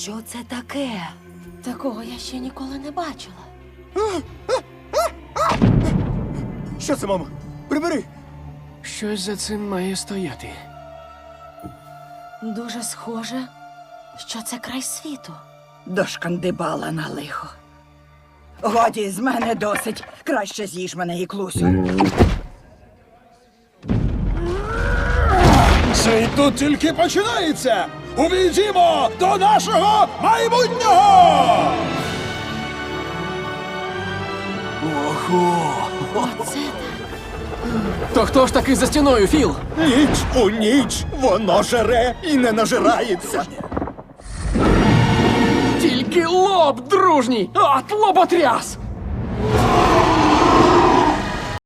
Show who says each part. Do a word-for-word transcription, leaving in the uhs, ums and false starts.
Speaker 1: Що це таке? Такого я ще ніколи не бачила.
Speaker 2: Що це, мамо? Прибери!
Speaker 3: Щось за цим має стояти.
Speaker 1: Дуже схоже, що це край світу.
Speaker 4: Дошкандибала на лихо. Годі, з мене досить. Краще з'їж мене, Іклусю.
Speaker 2: Це й тут тільки починається! Увійдімо до нашого майбутнього! Ого!
Speaker 1: Оце так.
Speaker 3: То хто ж таки за стіною, Філ?
Speaker 2: Ніч у ніч воно жере і не нажирається.
Speaker 3: Тільки лоб дружній! От лоботряс!